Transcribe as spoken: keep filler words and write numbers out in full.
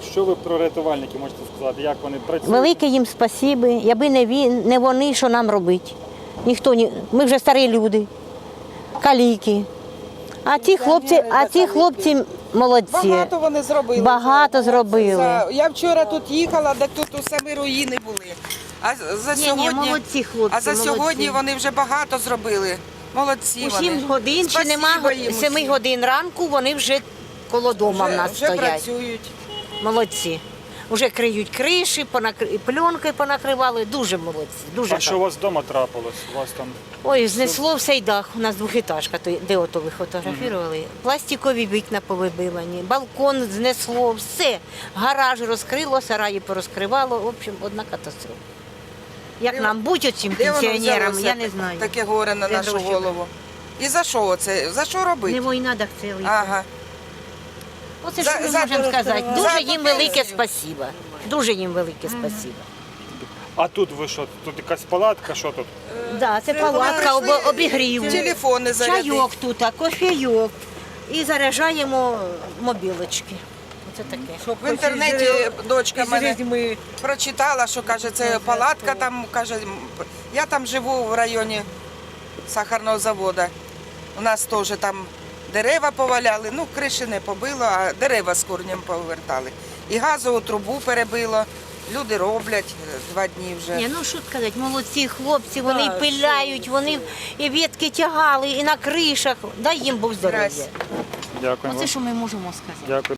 Що ви про рятувальників можете сказати? Як вони працюють? Велике їм спасіби, якби не він, не вони, що нам робити. Ніхто не, ми вже старі люди, каліки. А ті хлопці, а ті хлопці молодці. Багато вони зробили. Багато вже. зробили. За- Я вчора тут їхала, де тут у самі руїни були. А за Ні, ні, сьогодні, молодці хлопці, а за молодці. сьогодні вони вже багато зробили. Молодці У вони. сім годин чи Спасибо нема їм семи усім. годин ранку, вони вже коло дома в Вже, нас вже стоять. працюють. Молодці. Уже криють криші, понакри... пленкою понакривали. Дуже молодці. Дуже А що у вас вдома трапилось? У вас там Ой, знесло всей дах. У нас двохетажка, то- де ото ви фотографували. Пластикові вікна повибивані, балкон знесло, все. Гараж розкрило, сараї порозкривало. В общем, одна катастрофа. Як Де- нам бути оцим Де воно пенсіонерам, взялося я не знаю. таке горе на Де нашу гроші голову? І за що це? За що робити? Не війна, так цілий. Ага. Оце За- що ми за- можемо сказати. за Дуже ту їм велике пенсію. спасибо. Дуже їм велике спасибо. А тут ви що? Тут якась палатка, що тут? Да, це палатка, Ми прийшли, об- обігрів. Телефони зарядити. Чайок тут, а кофейок. І заряджаємо мобілочки. Оце таке. В інтернеті дочка мене прочитала, що каже, це палатка там, каже, я там живу в районі сахарного заводу. У нас теж там дерева поваляли, ну криші не побило, а дерева з корнем повертали. І газову трубу перебило. Люди роблять два дні вже. Ні, ну що сказати, молодці хлопці, вони і пиляють, вони і ветки тягали, і на кришах. Дай їм Бог здоров'я. Здрасте. Дякую Оце вам. що ми можемо сказати. Дякую.